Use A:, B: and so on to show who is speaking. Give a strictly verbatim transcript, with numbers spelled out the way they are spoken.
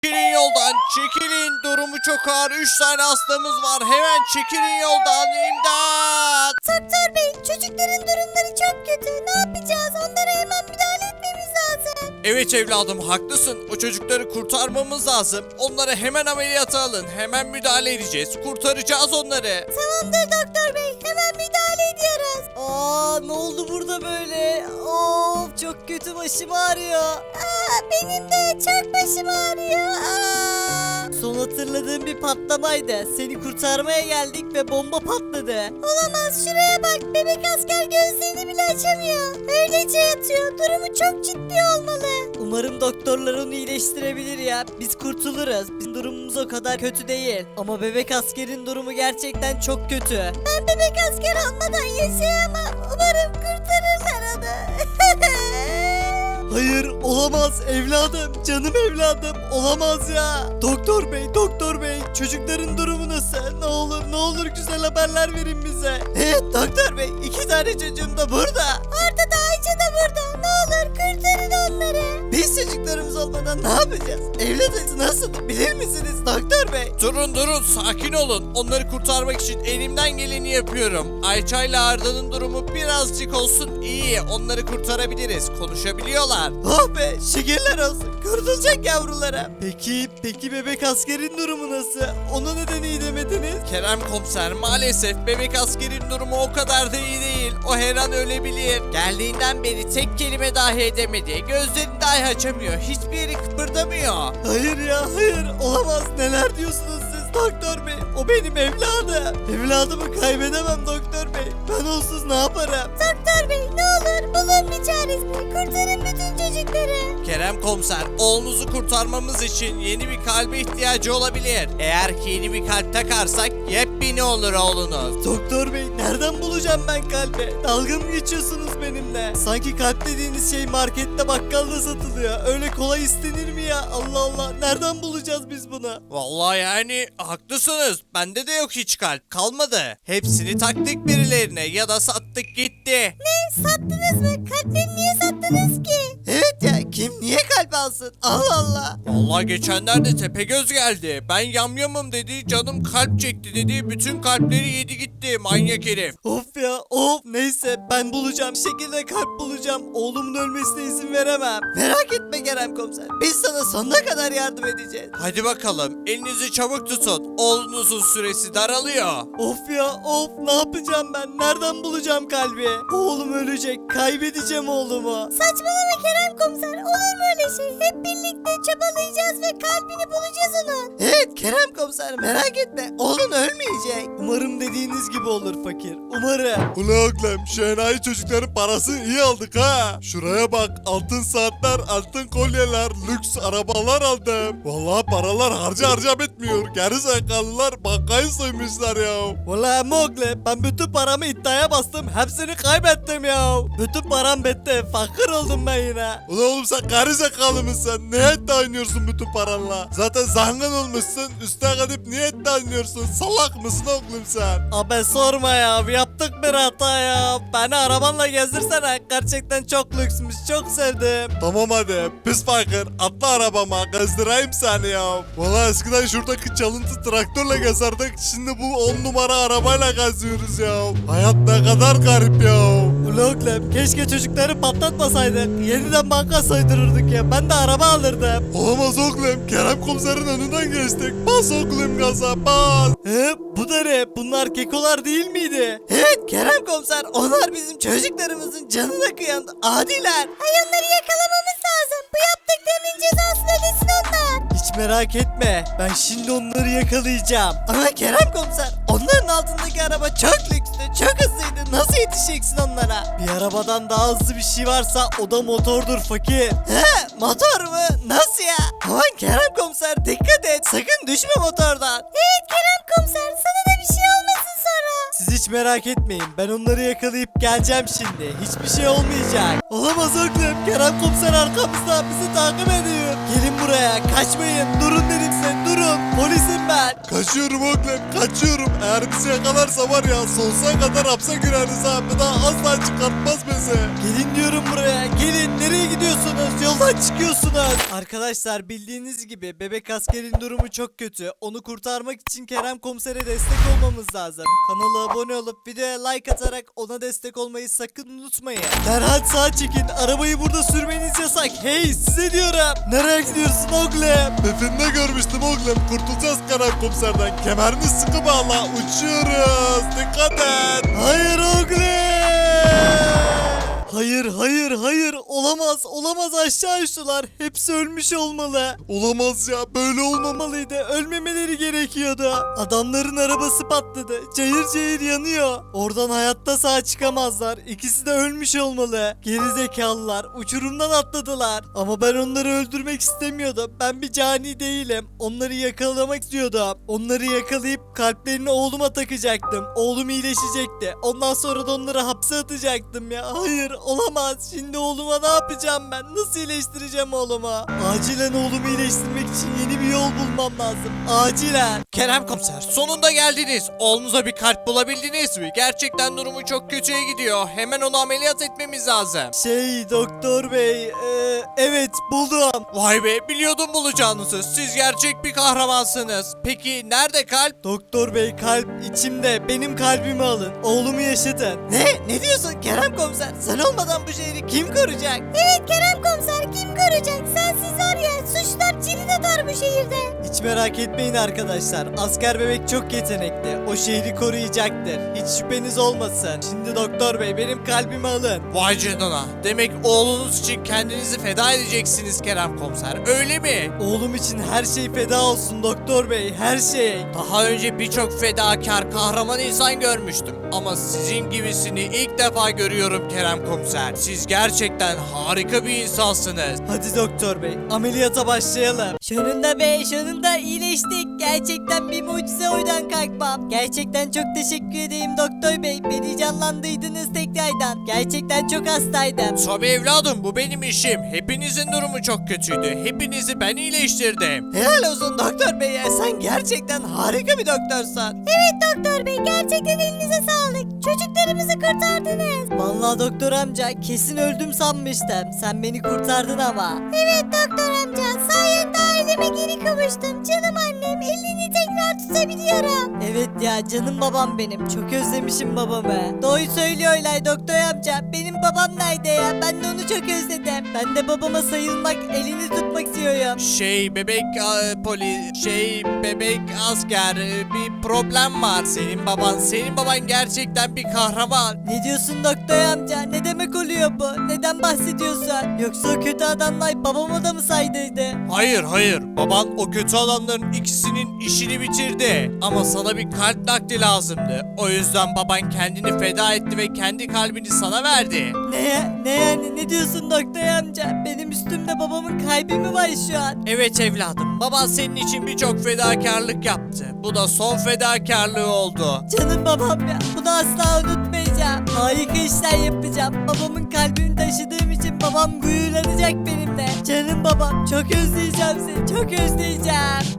A: Çekilin yoldan, çekilin. Durumu çok ağır. Üç tane hastamız var. Hemen çekilin yoldan. İmdat.
B: Doktor bey, çocukların durumları çok kötü. Ne yapacağız? Onlara hemen müdahale etmemiz lazım.
A: Evet evladım, haklısın. O çocukları kurtarmamız lazım. Onları hemen ameliyata alın. Hemen müdahale edeceğiz. Kurtaracağız onları.
B: Tamamdır doktor bey, hemen müdahale ediyoruz.
C: Aa, ne oldu burada böyle? Of, çok kötü, başım ağrıyor.
B: Aa, benim de çok başım ağrıyor. Aa.
C: Son hatırladığım bir patlamaydı. Seni kurtarmaya geldik ve bomba patladı.
B: Olamaz, şuraya bak, bebek asker gözlerini bile açamıyor. Öylece yatıyor, durumu çok ciddi olmalı.
C: Umarım doktorlar onu iyileştirebilir ya. Biz kurtuluruz. Bizim durumumuz o kadar kötü değil. Ama bebek askerin durumu gerçekten çok kötü.
B: Ben bebek asker olmadan yaşayamam. Umarım kurtarırlar onu.
C: Hayır, olamaz evladım, canım evladım, olamaz ya. Doktor bey, doktor bey, çocukların durumu nasıl? Ne olur, ne olur güzel haberler verin bize. Evet doktor bey, iki tane çocuğum da burada.
B: Orada da Ayça da burada. Ne olur kurtarın onları.
C: Biz çocuklarımız olmadan ne yapacağız? Evlat acısı nasıl bilir misiniz doktor bey?
A: Durun durun, sakin olun. Onları kurtarmak için elimden geleni yapıyorum. Ayça ile Arda'nın durumu birazcık olsun iyi. Onları kurtarabiliriz. Konuşabiliyorlar.
C: Oh be, şükürler olsun. Kurtulacak yavrulara. Peki, peki bebek askerin durumu nasıl? Ona neden iyi demediniz?
A: Kerem komiser, maalesef bebek askerin durumu o kadar da iyi değil. O her an ölebilir. Geldiğinden beri tek kelime dahi edemedi. Gözlerini dahi açamıyor. Hiçbir yeri kıpırdamıyor.
C: Hayır ya, hayır, olamaz. Neler diyorsunuz siz doktor bey? O benim evladım. Evladımı kaybedemem doktor bey. Ben onsuz ne yaparım?
B: Doktor bey, ne olur bulun bir çaresini. Kurtarın bütün çocukları.
A: Kerem komiser, oğlunuzu kurtarmamız için yeni bir kalbe ihtiyacı olabilir. Eğer ki yeni bir kalp takarsak yepyeni olur oğlunuz.
C: Doktor bey, nereden bulacağım ben kalbi? Dalga mı geçiyorsunuz benimle? Sanki kalp dediğiniz şey markette, bakkalda satılıyor. Öyle kolay istenir mi ya? Allah Allah, nereden bulacağız biz bunu?
A: Vallahi yani haklısınız. Bende de yok hiç kalp. Kalmadı. Hepsini taktık birilerine ya da sattık gitti.
B: Ne? Sattınız mı? Kalpleri niye sattınız ki?
C: Evet ya, kim niye kalp alsın? Allah Allah.
A: Vallahi geçenlerde Tepegöz geldi. Ben yamyamım dedi, canım kalp çekti dedi. Bütün kalpleri yedi gitti manyak herif.
C: Of ya, of. Neyse, ben bulacağım. Bir şekilde kalp bulacağım. Oğlumun ölmesine izin veremem. Merak etme Kerem komiser. Biz sana sonuna kadar yardım edeceğiz.
A: Hadi bakalım, elinizi çabuk tutun. Oğlunuzun süresi daralıyor.
C: Of ya, of. Ne yapacağım ben? Nereden bulacağım kalbi? Oğlum ölecek. Kaybedeceğim oğlumu.
B: Saçmalama Kerem komiser. Olur mu öyle şey? Hep birlikte çabalayacağız ve kalbini bulacağız onun.
C: Evet Kerem komiser, merak etme. Oğlun ölmeyecek. Umarım dediğiniz gibi olur fakir. Umarım.
D: Ula oğlum, şu enayi çocukların parasını iyi aldık ha. Şuraya bak, altın saatler, altın kolyeler, lüks arabalar aldım. Vallahi paralar harca harca bitmiyor. Geri zekalılar bankayı soymuşlar ya.
C: Valla oğlum, ben bütün paramı iddiaya bastım. Hepsini kaybettim ya. Bütün param bitti. Fakir oldum ben yine.
D: Ula oğlum, sen geri zekalı mısın? Niye iddia oynuyorsun bütün paranla? Zaten zengin olmuşsun. Üstüne gidip niye iddia oynuyorsun? Salak mısın oğlum sen?
C: Abi sorma ya, yaptık bir hata ya. Beni arabanla gezdirsene, gerçekten çok lüksmüş, çok sevdim.
D: Tamam hadi, pis fakir, atla arabama, gezdireyim seni ya. Valla eskiden şuradaki çalıntı traktörle gezerdik, şimdi bu on numara arabayla geziyoruz ya. Hayat ne kadar garip ya.
C: Oğlum, keşke çocukları patlatmasaydık. Yeniden banka soydururduk ya, ben de araba alırdım.
D: Olamaz oğlum, Kerem komiserin önünden geçtik. Bas oğlum gaza, bas.
C: He, bu da ne? Bunlar kekolar değil miydi? Evet Kerem komiser, onlar bizim çocuklarımızın canına kıyan adiler.
B: Ay, onları yakalamamız lazım. Bu yaptıklarının cezasını ödesin onlar.
C: Hiç merak etme, ben şimdi onları yakalayacağım. Ama Kerem komiser, onların altındaki araba çok lükstü, çok hızlıydı. Nasıl yetişeceksin onlara? Bir arabadan daha hızlı bir şey varsa o da motordur fakir. He, motor mu? Nasıl ya? Aman Kerem komiser, dikkat et, sakın düşme motordan.
B: Evet Kerem komiser, sana da bir şey olmasın sonra.
C: Siz hiç merak etmeyin. Ben onları yakalayıp geleceğim şimdi. Hiçbir şey olmayacak. Olamaz oğlum. Kerem komiser arkamızda bizi takip ediyor. Gelin buraya. Kaçmayın. Durun dedim size. Durun. Polisim ben.
D: Kaçıyorum oğlum kaçıyorum. Eğer bizi yakalarsa var ya sonsuza kadar hapse gireriz ha. Bir daha asla çıkartmaz bizi.
C: Gelin diyorum buraya. Gelin. Nereye gidiyorsunuz? Yoldan çıkıyorsunuz. Arkadaşlar bildiğiniz gibi bebek askerin durumu çok kötü. Onu kurtarmak için Kerem komisere destek olmamız lazım. Kanala abone olup videoya like atarak ona destek olmayı sakın unutmayın. Derhal sağa çekin. Arabayı burada sürmeniz yasak. Hey size diyorum. Nereye gidiyorsun oğlum?
D: Bir filmde görmüştüm oğlum. Kurtulacağız Kerem komiserden. Kemerini sıkı bağla. Uçuyoruz. Dikkat et.
C: Hayır oğlum. Hayır hayır hayır olamaz olamaz aşağı uçtular. Hepsi ölmüş olmalı.
D: Olamaz ya böyle olmamalı.
C: Olmamalıydı. Ölmemeleri gerekiyordu. Adamların arabası patladı. Cayır cayır yanıyor. Oradan hayatta sağ çıkamazlar. İkisi de ölmüş olmalı. Geri zekalılar. Uçurumdan atladılar. Ama ben onları öldürmek istemiyordum. Ben bir cani değilim. Onları yakalamak istiyordum. Onları yakalayıp kalplerini oğluma takacaktım. Oğlum iyileşecekti. Ondan sonra da onları hapse atacaktım ya. Hayır olamaz. Şimdi oğluma ne yapacağım ben? Nasıl iyileştireceğim oğluma? Acilen oğlumu iyileştirmek için yeni bir yol bulmam lazım. Acilen.
A: Kerem komiser sonunda geldiniz. Oğlunuza bir kalp bulabildiniz mi? Gerçekten durumu çok kötüye gidiyor. Hemen onu ameliyat etmemiz lazım.
C: Şey doktor bey. e, evet buldum.
A: Vay be biliyordum bulacağınızı. Siz gerçek bir kahramansınız. Peki nerede kalp?
C: Doktor bey kalp içimde. Benim kalbimi alın. Oğlumu yaşatın. Ne? Ne diyorsun Kerem komiser? Sen olmadan bu şehri kim koruyacak?
B: Evet Kerem komiser kim koruyacak? Sensiz var ya suçlar cirit atar bu şehirde.
C: Hiç merak etmeyin arkadaşlar. Asker bebek çok yetenekli. O şehri koruyacaktır. Hiç şüpheniz olmasın. Şimdi doktor bey benim kalbimi alın.
A: Vay canına. Demek oğlunuz için kendinizi feda edeceksiniz Kerem komiser. Öyle mi?
C: Oğlum için her şey feda olsun doktor bey. Her şey.
A: Daha önce birçok fedakar kahraman insan görmüştüm. Ama sizin gibisini ilk defa görüyorum Kerem komiser. Siz gerçekten harika bir insansınız.
C: Hadi doktor bey ameliyata başlayalım.
B: Sonunda be sonunda iyileştik. Gerçekten bir mucize oydan kalkmam. Gerçekten çok teşekkür edeyim doktor bey. Beni canlandırdınız tekrardan. Gerçekten çok hastaydım.
A: Tabii evladım bu benim işim. Hepinizin durumu çok kötüydü. Hepinizi ben iyileştirdim.
C: Helal olsun doktor bey ya. Sen gerçekten harika bir doktorsun.
B: Evet doktor bey gerçekten elinize sağlık. Çocuklarımızı kurtardınız.
C: Vallahi doktor amca kesin öldüm sanmıştım. Sen beni kurtardın ama.
B: Evet doktor amca sayende aileme geri kavuştum. Canım annem elini tekrar tutabiliyorum.
C: Evet ya canım babam benim. Çok özlemişim babamı. Doğru söylüyorlar doktor amca. Benim babam nerede ya? Ben de onu çok özledim. Ben de babama sayılmak, elini tutmak istiyorum.
A: Şey bebek e, poli şey bebek asker e, bir problem var. Senin baban senin baban gerçekten bir kahraman.
C: Ne diyorsun doktor amca? Ne demek oluyor bu? Neden bahsediyorsun? Yoksa o kötü adamlar babama da mı saydıydı?
A: Hayır hayır baban o kötü adamların ikisinin işini bitirdi. Ama sana bir kalp nakli lazımdı. O yüzden baban kendini feda etti ve kendi kalbini sana verdi.
C: Ne? Ne yani? Ne diyorsun doktor amca? Benim üstümde babamın kalbi mi var şu an?
A: Evet evladım baban senin için birçok fedakarlık yaptı. Bu da son fedakarlığı oldu.
C: Canım babam ya. Bunu asla unutmayacağım. Harika işler yapacağım. Babamın kalbini taşıdığım için babam gururlanacak benimle. Canım babam çok özleyeceğim seni. Çok özleyeceğim.